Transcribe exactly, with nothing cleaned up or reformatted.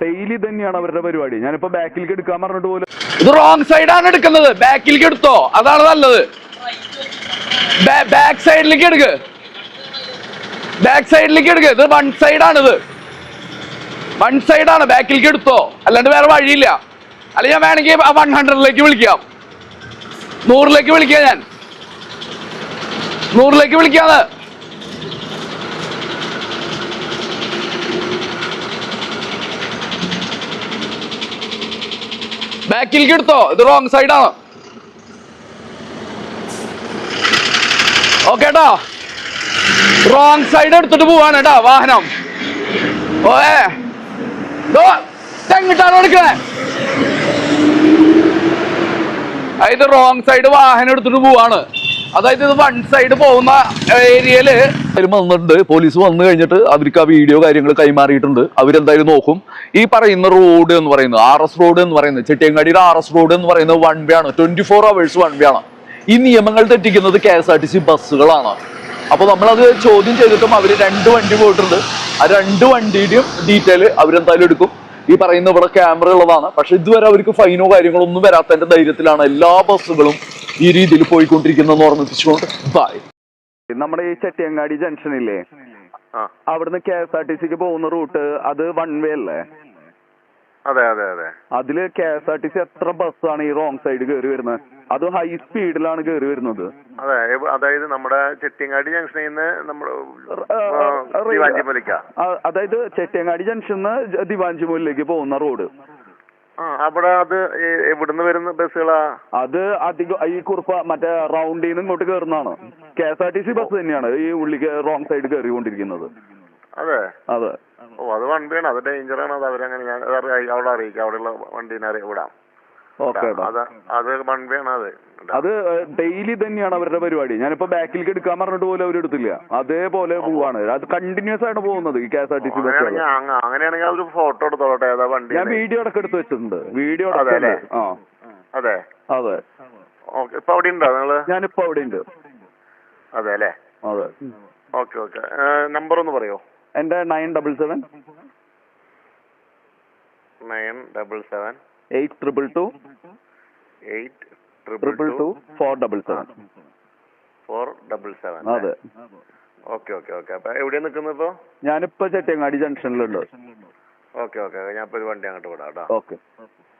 Daily തന്നെയാണ് അവരുടെ പരിപാടി. ഞാനിപ്പോ ബാക്കിലേക്ക് എടുക്കാൻ പറഞ്ഞിട്ട് പോലും ഇത് റോങ് സൈഡാണ് എടുക്കുന്നത്. ബാക്കിലേക്ക് എടുത്തോ, അതാണ് നല്ലത്. ബാക്ക് സൈഡിലേക്ക് എടുക്ക്, ബാക്ക് സൈഡിലേക്ക് എടുക്ക്. ഇത് വൺ സൈഡാണിത്, വൺ സൈഡാണ്. ബാക്കിലേക്ക് എടുത്തോ, അല്ലാണ്ട് വേറെ വഴിയില്ല. അല്ല ഞാൻ വേണമെങ്കിൽ വൺ ഹൺഡ്രഡിലേക്ക് വിളിക്കാം, നൂറിലേക്ക് വിളിക്കാം, ഞാൻ നൂറിലേക്ക് വിളിക്കാന്ന്. ബാക്കിലേക്ക് എടുത്തോ, ഇത് റോങ് സൈഡാണ്. ഓക്കെ ട്ടാ, റോങ് സൈഡ് എടുത്തിട്ട് പോവാണ് കേട്ടാ വാഹനം. ഓേ എങ്ങിട്ടാണ് എടുക്കണേ? അതായത് റോങ് സൈഡ് വാഹനം എടുത്തിട്ട് പോവാണ്. അതായത് ഇത് വൺ സൈഡ് പോകുന്ന ഏരിയയില് വന്നിട്ടുണ്ട്. പോലീസ് വന്നു കഴിഞ്ഞിട്ട് അവർക്ക് ആ വീഡിയോ കാര്യങ്ങൾ കൈമാറിയിട്ടുണ്ട്. അവരെന്തായാലും നോക്കും. ഈ പറയുന്ന റോഡ് എന്ന് പറയുന്നത് ആർ എസ് റോഡ് എന്ന് പറയുന്നത്, ചെട്ടിയങ്ങാടിയുടെ ആർ എസ് റോഡ് എന്ന് പറയുന്നത് വൺ വേ ആണ്. Twenty four hours one way ആണ്. ഈ നിയമങ്ങൾ തെറ്റിക്കുന്നത് K S R T C ബസ്സുകളാണ്. അപ്പൊ നമ്മളത് ചോദ്യം ചെയ്തിട്ടും അവര് രണ്ട് വണ്ടി പോയിട്ടുണ്ട്. ആ രണ്ട് വണ്ടിയുടെയും ഡീറ്റെയിൽ അവരെന്തായാലും എടുക്കും. ഈ പറയുന്ന ഇവിടെ ക്യാമറ ഉള്ളതാണ്. പക്ഷെ ഇതുവരെ അവർക്ക് ഫൈനോ കാര്യങ്ങളോ ഒന്നും വരാത്തതിന്റെ ധൈര്യത്തിലാണ് എല്ലാ ബസ്സുകളും ഈ രീതിയിൽ പോയിക്കൊണ്ടിരിക്കുന്നതെന്ന് ഓർമ്മിപ്പിച്ചുകൊണ്ട് ബൈ. നമ്മുടെ ഈ ചെട്ടിയങ്ങാടി ജംഗ്ഷനില്ലേ, അവിടുന്ന് കെ എസ് ആർ ടി സിക്ക് പോകുന്ന റൂട്ട് അത് വൺ വേ അല്ലേ? അതെ അതെ അതെ. അതില് K S R T C എത്ര ബസ്സാണ് ഈ റോങ് സൈഡ് കയറി വരുന്നത്? അത് ഹൈ സ്പീഡിലാണ് കയറി വരുന്നത്. അതെ, അതായത് നമ്മുടെ ചെട്ടിയങ്ങാടി ജംഗ്ഷനിൽ നിന്ന് നമ്മുടെ അതായത് ചെട്ടിയങ്ങാടി ജംഗ്ഷന്ന് ദിവാഞ്ചിമൂലിലേക്ക് പോകുന്ന റോഡ്. അവിടെ അത് എവിടുന്ന് വരുന്ന ബസ്സുകളാ? അത് അധികം ഈ കുറുപ്പ മറ്റേ റൗണ്ടിൽ നിന്ന് ഇങ്ങോട്ട് കയറുന്നതാണ്. K S R T C bus തന്നെയാണ് ഈ ഉള്ളിക്ക് റോങ് സൈഡ് കയറിക്കൊണ്ടിരിക്കുന്നത്. അതെ അതെ. ഓ, അത് വണ്ടിയാണ്, അത് ഡേഞ്ചറാണ്. അത് അവരങ്ങനെ ഞാൻ അവിടെ അറിയിക്കാം, അവിടെയുള്ള വണ്ടീനെ വിടാം. അത് വണ്ടിയാണ്. അത് അത് ഡെയിലി തന്നെയാണ് അവരുടെ പരിപാടി. ഞാനിപ്പോ ബാക്കിലേക്ക് എടുക്കാൻ പറഞ്ഞിട്ട് പോലും അവരെടുത്തില്ല, അതേപോലെ പോവാണ്. അത് കണ്ടിന്യൂസ് ആയിട്ട് പോകുന്നത് ഈ K S R T C bus. അങ്ങനെയാണെങ്കിൽ ഒരു ഫോട്ടോ എടുത്തോട്ടെ. ഏതാ വണ്ടി? ഞാൻ വീഡിയോ അടക്കം എടുത്ത് വെച്ചിട്ടുണ്ട്. വീഡിയോ ആ അതെ അതെ. ഓക്കെ, ഇപ്പൊ അവിടെ ഉണ്ടോ നിങ്ങള്? ഞാനിപ്പോ അവിടെ ഉണ്ട്. അതെ അല്ലേ? അതെ. Okay okay. നമ്പർ ഒന്ന് പറയോ? എന്റെ nine double seven nine double seven eight triple two eight triple two four double seven four double seven. അതെ. Okay okay okay. അപ്പൊ എവിടെയാ നിൽക്കുന്നത് ഇപ്പൊ? ഞാനിപ്പോ ചെട്ടിയങ്ങാടി ജംഗ്ഷനിലുണ്ട്. Okay okay. ഞാൻ ഇപ്പൊ ഒരു വണ്ടി അങ്ങോട്ട് വിടാം കേട്ടോ. ഓക്കെ.